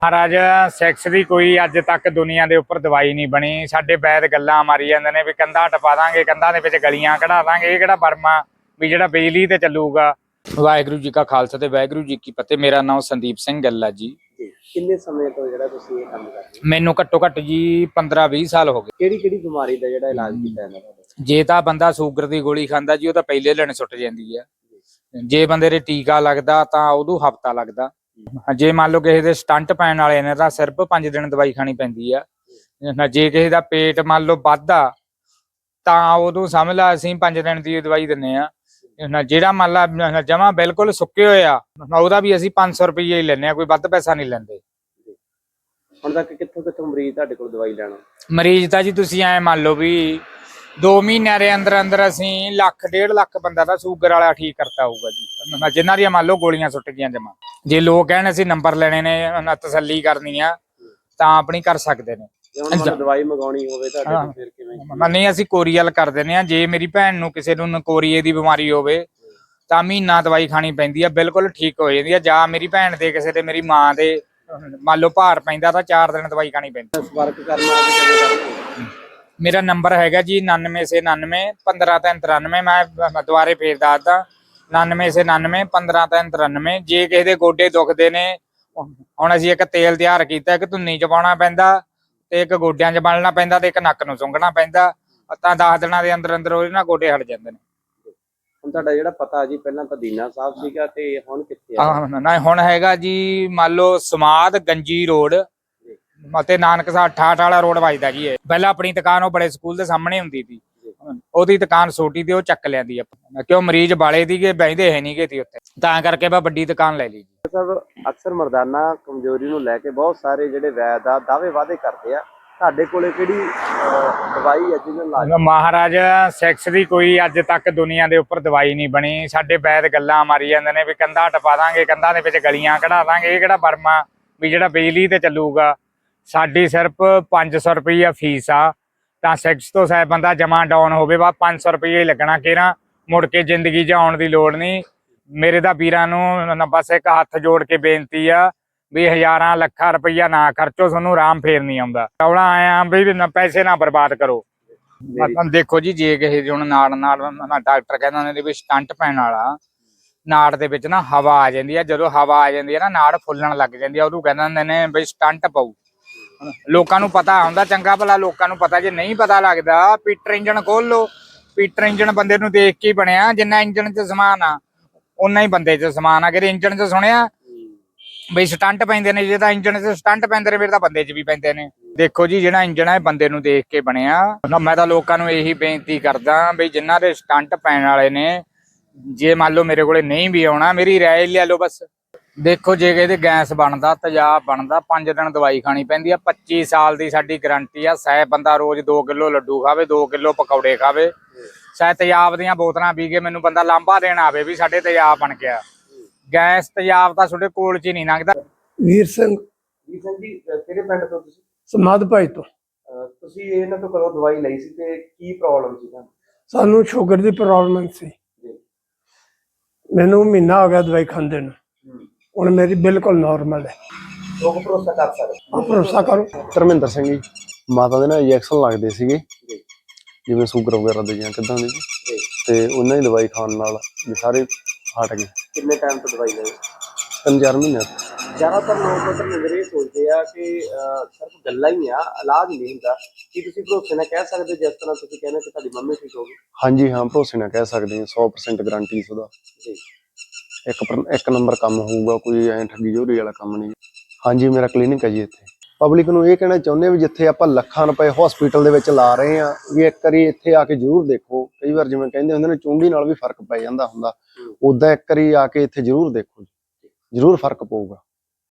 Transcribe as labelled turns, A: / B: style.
A: महाराज सैक्स की कोई अज तक दुनिया के उपर दवाई नहीं बनी। साडे वैद गल्लां मारी जांदे ने भी कंधा टपा दांगे, कंधा दे विच गलियां कढ़ा दांगे, ये किहड़ा बर्मा भी जिहड़ा बिजली ते चलूगा। वाहिगुरू जी का खालसा ते वाहिगुरू जी की फतेह। मेरा नाम संदीप सिंह गल्ला जी।
B: किन्ने समय तो जिहड़ा तुसीं ये काम कर रहे हो?
A: मैनू घट्टो घट्ट जी 15-20 साल हो गए।
B: किहड़ी बीमारी दा जिहड़ा इलाज कीता है तुहाडे?
A: जे तां बंदा शूगर की गोली खांदा जी, ਉਹ ਤਾਂ ਪਹਿਲੇ ਦਿਨ ਸੁੱਟ ਜਾਂਦੀ ਹੈ। ਜੇ ਬੰਦੇ ਦੇ ਟੀਕਾ ਲੱਗਦਾ ਤਾਂ ਉਦੋਂ ਹਫਤਾ ਲੱਗਦਾ। ਜੇ ਮੰਨ ਲਓ ਕਿਸੇ ਦੇ ਸਟੰਟ ਪੈਣ ਵਾਲੇ ਨੇ ਤਾਂ ਸਿਰਫ 5 ਦਿਨ ਦਵਾਈ ਖਾਣੀ ਪੈਂਦੀ ਆ। ਜੇ ਕਿਸੇ ਦਾ ਪੇਟ ਮੰਨ ਲਓ ਵੱਧਦਾ ਤਾਂ ਉਦੋਂ ਸਮਝ ਲਾ ਅਸੀਂ 5 ਦਿਨ ਦੀ ਦਵਾਈ ਦਿੰਨੇ ਆ। ਜਿਹੜਾ ਮੰਨ ਲਾ ਜਮਾ ਬਿਲਕੁਲ ਸੁੱਕੇ ਹੋਏ ਆ ਉਹਦਾ ਵੀ ਅਸੀਂ 500 ਰੁਪਏ ਹੀ ਲੈਨੇ ਆ, ਕੋਈ ਵੱਧ ਪੈਸਾ ਨਹੀਂ ਲੈਂਦੇ।
B: ਹੁਣ ਤੱਕ ਕਿੱਥੋਂ ਮਰੀਜ਼ ਤੁਹਾਡੇ ਕੋਲ ਦਵਾਈ ਲੈਣਾ?
A: ਮਰੀਜ਼ ਤਾਂ ਜੀ ਤੁਸੀਂ ਐ ਮੰਨ ਲਓ ਵੀ 2 ਮਹੀਨਿਆਂ ਦੇ ਅੰਦਰ ਅੰਦਰ ਅਸੀਂ 1.5 ਲੱਖ ਬੰਦਾ ਦਾ ਸ਼ੂਗਰ ਵਾਲਾ ਠੀਕ ਕਰਤਾ ਹੋਊਗਾ ਜੀ, ਜਿਨ੍ਹਾਂ ਦੀਆਂ ਮੰਨ ਲਓ ਗੋਲੀਆਂ ਸੁੱਟ ਗਈਆਂ ਜਮਾ। ਜੇ ਲੋਕ ਕਹਿਣ ਅਸੀਂ ਨੰਬਰ ਲੈਣੇ ਨੇ, ਤਸੱਲੀ ਕਰਨੀ ਆ ਤਾਂ ਆਪਣੀ ਕਰ ਸਕਦੇ ਨੇ।
B: ਦਵਾਈ ਮੰਗਾਉਣੀ ਹੋਵੇ ਤੁਹਾਡੇ ਤੋਂ ਫਿਰ ਕਿਵੇਂ?
A: ਨਹੀਂ, ਅਸੀਂ ਕੋਰੀਅਲ ਕਰ ਦਿੰਦੇ ਆ। ਜੇ ਮੇਰੀ ਭੈਣ ਨੂੰ ਕਿਸੇ ਨੂੰ ਕੋਰੀਏ ਦੀ ਬਿਮਾਰੀ ਹੋਵੇ ਤਾਂ ਮਹੀਨਾ ਦਵਾਈ ਖਾਣੀ ਪੈਂਦੀ ਆ, ਬਿਲਕੁਲ ਠੀਕ ਹੋ ਜਾਂਦੀ ਆ। ਜਾਂ ਮੇਰੀ ਭੈਣ ਦੇ ਕਿਸੇ ਦੇ ਮੇਰੀ ਮਾਂ ਦੇ ਮੰਨ ਲਓ ਭਾਰ ਪੈਂਦਾ ਤਾਂ 4 ਦਿਨ ਦਵਾਈ ਖਾਣੀ ਪੈਂਦੀ।
B: ਸੰਪਰਕ ਕਰਨਾ ਹੋਵੇ
A: ਮੇਰਾ ਨੰਬਰ ਹੈਗਾ ਜੀ 9999 15393। ਮੈਂ ਦੁਬਾਰੇ ਫੇਰ ਦੱਸਦਾ 9999 15393। ਜੇ ਕਿਸੇ ਦੇ ਗੋਡੇ ਦੁਖਦੇ ਨੇ, ਹੁਣ ਅਸੀਂ ਇੱਕ ਤੇਲ ਤਿਆਰ ਕੀਤਾ, ਇੱਕ ਧੁੰਨੀ ਚ ਪਾਉਣਾ ਪੈਂਦਾ ਤੇ ਇੱਕ ਗੋਡਿਆਂ 'ਚ ਮਲਣਾ ਪੈਂਦਾ ਤੇ ਇੱਕ ਨੱਕ ਨੂੰ ਸੁੰਘਣਾ ਪੈਂਦਾ, ਤਾਂ 10 ਦਿਨਾਂ ਦੇ ਅੰਦਰ ਅੰਦਰ ਉਹਦੇ ਨਾਲ ਗੋਡੇ ਹਟ ਜਾਂਦੇ ਨੇ।
B: ਹੁਣ ਤੁਹਾਡਾ ਜਿਹੜਾ ਪਤਾ ਜੀ ਪਹਿਲਾਂ ਤਾਂ ਦੀਨਾ ਸਾਹਿਬ ਸੀਗਾ ਤੇ ਹੁਣ ਕਿੱਥੇ ਆ?
A: ਨਾ ਹੁਣ ਹੈਗਾ ਜੀ ਮੰਨ ਲਓ ਸਮਾਦ ਗੰਜੀ ਰੋਡ ਅਤੇ ਨਾਨਕਸਰ 68 ਵਾਲਾ ਰੋਡ ਵੱਜਦਾ ਜੀ। ਇਹ ਪਹਿਲਾਂ ਆਪਣੀ ਦੁਕਾਨ ਉਹ ਬੜੇ ਸਕੂਲ ਦੇ ਸਾਹਮਣੇ ਹੁੰਦੀ ਸੀ, ਉਹਦੀ ਦੁਕਾਨ ਛੋਟੀ ਤੇ ਉਹ ਚੱਕ ਲਿਆਂਦੀ ਆਪਾਂ, ਕਿਉਂ ਮਰੀਜ਼ ਬਾਲੇ ਸੀਗੇ, ਬੈਂਦੇ ਹੈ ਨਹੀਂ ਗੇ ਉੱਥੇ, ਤਾਂ ਕਰਕੇ ਮੈਂ ਵੱਡੀ ਦੁਕਾਨ ਲੈ ਲਈ ਜੀ।
B: ਸਭ ਅਕਸਰ ਮਰਦਾਨਾ ਕਮਜ਼ੋਰੀ ਨੂੰ ਲੈ ਕੇ ਬਹੁਤ ਸਾਰੇ ਜਿਹੜੇ ਵੈਦ ਆ ਦਾਅਵੇ ਵਾਅਦੇ ਕਰਦੇ ਆ, ਤੁਹਾਡੇ ਕੋਲੇ ਕਿਹੜੀ ਦਵਾਈ ਹੈ ਜਿਹਨੂੰ ਇਲਾਜ?
A: ਮਹਾਰਾਜ ਸੈਕਸ ਦੀ ਕੋਈ ਅੱਜ ਤੱਕ ਦੁਨੀਆ ਦੇ ਉੱਪਰ ਦਵਾਈ ਨਹੀਂ ਬਣੀ। ਸਾਡੇ ਵੈਦ ਗੱਲਾਂ ਮਾਰੀ ਜਾਂਦੇ ਨੇ ਵੀ ਕੰਧਾ ਟਪਾ ਦਾਂਗੇ, ਕੰਧਾਂ ਦੇ ਵਿੱਚ ਗਲੀਆਂ ਕਢਾ ਦਾਂਗੇ, ਇਹ ਕਿਹੜਾ ਬਰਮਾ ਵੀ ਜਿਹੜਾ ਬਿਜਲੀ ਤੇ ਚੱਲੂਗਾ। ਸਾਡੀ ਸਿਰਫ 500 ਰੁਪਈਆ ਫੀਸ ਆ, ਤਾਂ ਸੈਕਸ ਤੋਂ ਸਾਇਦ ਬੰਦਾ ਜਮਾ ਡਾਊਨ ਹੋਵੇ ਬਾ 500 ਰੁਪਈਆ ਹੀ ਲੱਗਣਾ। ਕਿਹੜਾ ਮੁੜ ਕੇ ਜ਼ਿੰਦਗੀ 'ਚ ਆਉਣ ਦੀ ਲੋੜ ਨਹੀਂ। ਮੇਰੇ ਤਾਂ ਵੀਰਾਂ ਨੂੰ ਬਸ ਇੱਕ ਹੱਥ ਜੋੜ ਕੇ ਬੇਨਤੀ ਆ ਵੀ ਹਜ਼ਾਰਾਂ ਲੱਖਾਂ ਰੁਪਈਆ ਨਾ ਖਰਚੋ, ਤੁਹਾਨੂੰ ਆਰਾਮ ਫੇਰ ਨਹੀਂ ਆਉਂਦਾ। ਕੌਣਾ ਆਇਆ ਵੀ ਪੈਸੇ ਨਾ ਬਰਬਾਦ ਕਰੋ। ਦੇਖੋ ਜੀ, ਜੇ ਕਿਸੇ ਹੁਣ ਨਾੜ ਡਾਕਟਰ ਕਹਿੰਦੇ ਨੇ ਵੀ ਸਟੰਟ ਪੈਣ ਵਾਲਾ, ਨਾੜ ਦੇ ਵਿੱਚ ਨਾ ਹਵਾ ਆ ਜਾਂਦੀ ਆ। ਜਦੋਂ ਹਵਾ ਆ ਜਾਂਦੀ ਹੈ ਨਾ ਨਾੜ ਫੁੱਲਣ ਲੱਗ ਜਾਂਦੀ ਆ, ਉਦੋਂ ਕਹਿੰਦੇ ਹੁੰਦੇ ਨੇ ਵੀ ਸਟੰਟ ਪਊ। ਲੋਕਾਂ ਨੂੰ ਪਤਾ ਹੁੰਦਾ ਚੰਗਾ ਭਲਾ, ਲੋਕਾਂ ਨੂੰ ਪਤਾ। ਜੇ ਨਹੀਂ ਪਤਾ ਲੱਗਦਾ, ਪੀਟਰ ਇੰਜਣ ਖੋਲ ਲੋ। ਪੀਟਰ ਇੰਜਣ ਬੰਦੇ ਨੂੰ ਦੇਖ ਕੇ ਬਣਿਆ, ਜਿੰਨਾ ਇੰਜਣ 'ਚ ਸਮਾਨ ਆ ਉਨਾ ਹੀ ਬੰਦੇ 'ਚ ਸਮਾਨ ਆ। ਕਿ ਇੰਜਣ 'ਚ ਸੁਣਿਆ ਬਈ ਸਟੰਟ ਪੈਂਦੇ ਨੇ, ਜੇ ਤਾਂ ਇੰਜਣ 'ਚ ਸਟੰਟ ਪੈਂਦੇ ਨੇ ਫਿਰ ਤਾਂ ਬੰਦੇ 'ਚ ਵੀ ਪੈਂਦੇ ਨੇ। ਦੇਖੋ ਜੀ, ਜਿਹੜਾ ਇੰਜਣ ਹੈ ਬੰਦੇ ਨੂੰ ਦੇਖ ਕੇ ਬਣਿਆ। ਮੈਂ ਤਾਂ ਲੋਕਾਂ ਨੂੰ ਇਹੀ ਬੇਨਤੀ ਕਰਦਾ ਬਈ ਜਿਨ੍ਹਾਂ ਦੇ ਸਟੰਟ ਪੈਣ ਵਾਲੇ ਨੇ, ਜੇ ਮੰਨ ਲਓ ਮੇਰੇ ਕੋਲੇ ਨਹੀਂ ਵੀ ਆਉਣਾ, ਮੇਰੀ ਰਾਏ ਲੈ ਲਓ ਬਸ। ਦੇਖੋ, ਜੇ ਇਹਦੇ ਗੈਸ ਬਣਦਾ, ਤੇਜ਼ਾਬ ਬਣਦਾ, 5 ਦਿਨ ਦਵਾਈ ਖਾਣੀ ਪੈਂਦੀ ਆ। 25 ਸਾਲ ਦੀ ਸਾਡੀ ਗਰੰਟੀ ਆ। ਚਾਹੇ ਬੰਦਾ ਰੋਜ਼ 2 ਕਿਲੋ ਲੱਡੂ ਖਾਵੇ, 2 ਕਿਲੋ ਪਕੌੜੇ ਖਾਵੇ, ਚਾਹੇ ਤੇਜ਼ਾਬ ਦੀਆਂ ਬੋਤਲਾਂ ਪੀ ਕੇ ਮੈਨੂੰ ਬੰਦਾ ਲਾਂਭਾ ਦੇਣ ਆਵੇ ਵੀ ਸਾਡੇ ਤੇਜ਼ਾਬ ਬਣ ਗਿਆ। ਗੈਸ ਤੇਜ਼ਾਬ ਤਾਂ ਤੁਹਾਡੇ ਕੋਲ 'ਚ ਹੀ ਨਹੀਂ ਲੰਘਦਾ।
C: ਵੀਰ ਸਿੰਘ
B: ਜੀ ਕਿਹੜੇ ਪਿੰਡ ਤੋਂ ਤੁਸੀਂ?
C: ਸਮਾਧ ਭਾਈ ਤੋਂ।
B: ਤੁਸੀਂ ਇਹਨਾਂ ਤੋਂ ਕਦੋਂ ਦਵਾਈ ਲਈ ਸੀ ਤੇ ਕੀ ਪ੍ਰੋਬਲਮ ਸੀ ਤੁਹਾਨੂੰ?
C: ਸਾਨੂੰ ਸ਼ੂਗਰ ਦੀ ਪ੍ਰੋਬਲਮ ਸੀ। ਮੈਨੂੰ ਮਹੀਨਾ ਹੋ ਗਿਆ ਦਵਾਈ ਖਾਂਦੇ ਨੂੰ, ਹੁਣ ਮੇਰੀ ਬਿਲਕੁਲ ਨਾਰਮਲ ਹੈ।
B: ਲੋਕ ਭਰੋਸਾ ਕਰ ਸਕਦੇ?
C: ਆਪ ਭਰੋਸਾ ਕਰੋ।
D: ਧਰਮਿੰਦਰ ਸਿੰਘ ਜੀ। ਮਾਤਾ ਦੇ ਨਾ ਇੰਜੈਕਸ਼ਨ ਲੱਗਦੇ ਸੀਗੇ ਜਿਵੇਂ ਸ਼ੂਗਰ ਵਗੈਰਾ ਦੇ ਜਾਂ ਕਿੱਦਾਂ ਦੇ ਜੀ, ਤੇ ਉਹਨਾਂ ਦੀ ਦਵਾਈ ਖਾਣ ਨਾਲ ਸਾਰੇ ਹਟ ਗਏ।
B: ਕਿੰਨੇ ਟਾਈਮ ਤੋਂ ਦਵਾਈ ਲਈ?
D: 3-4 ਮਹੀਨੇ।
B: ਜ਼ਿਆਦਾਤਰ ਲੋਕ ਤਾਂ ਇਹ ਸੋਚਦੇ ਆ ਕਿ ਸਿਰਫ ਗੱਲਾਂ ਹੀ ਆ, ਇਲਾਜ ਨਹੀਂ ਹੁੰਦਾ। ਕੀ ਤੁਸੀਂ ਭਰੋਸੇ ਨਾਲ ਕਹਿ ਸਕਦੇ ਜਿਸ ਤਰ੍ਹਾਂ ਤੁਸੀਂ ਕਹਿੰਦੇ ਕਿ ਤੁਹਾਡੀ ਮੰਮੀ ਠੀਕ ਹੋ ਗਈ?
D: ਹਾਂਜੀ ਹਾਂ, ਭਰੋਸੇ ਨਾਲ ਕਹਿ ਸਕਦੇ ਹਾਂ। 100% ਗਰੰਟੀ ਉਹਦਾ। ਇੱਕ ਨੰਬਰ ਕੰਮ ਹੋਊਗਾ, ਕੋਈ ਐਂ ਠੱਗੀ ਜੋਰੀ ਵਾਲਾ ਕੰਮ ਨਹੀਂ। ਹਾਂਜੀ, ਮੇਰਾ ਕਲੀਨਿਕ ਹੈ ਜੀ ਇੱਥੇ। ਪਬਲਿਕ ਨੂੰ ਇਹ ਕਹਿਣਾ ਚਾਹੁੰਦੇ ਵੀ ਜਿੱਥੇ ਆਪਾਂ ਲੱਖਾਂ ਰੁਪਏ ਹਸਪੀਟਲ ਦੇ ਵਿੱਚ ਲਾ ਰਹੇ ਆ, ਵੀ ਇੱਕ ਵਾਰੀ ਇੱਥੇ ਆ ਕੇ ਜ਼ਰੂਰ ਦੇਖੋ। ਕਈ ਵਾਰ ਜਿਵੇਂ ਕਹਿੰਦੇ ਹੁੰਦੇ ਨੇ ਚੁੰਡੀ ਨਾਲ ਵੀ ਫਰਕ ਪੈ ਜਾਂਦਾ ਹੁੰਦਾ, ਉਦਾਂ ਇੱਕ ਵਾਰੀ ਆ ਕੇ ਇੱਥੇ ਜ਼ਰੂਰ ਦੇਖੋ, ਜ਼ਰੂਰ ਫਰਕ ਪਊਗਾ।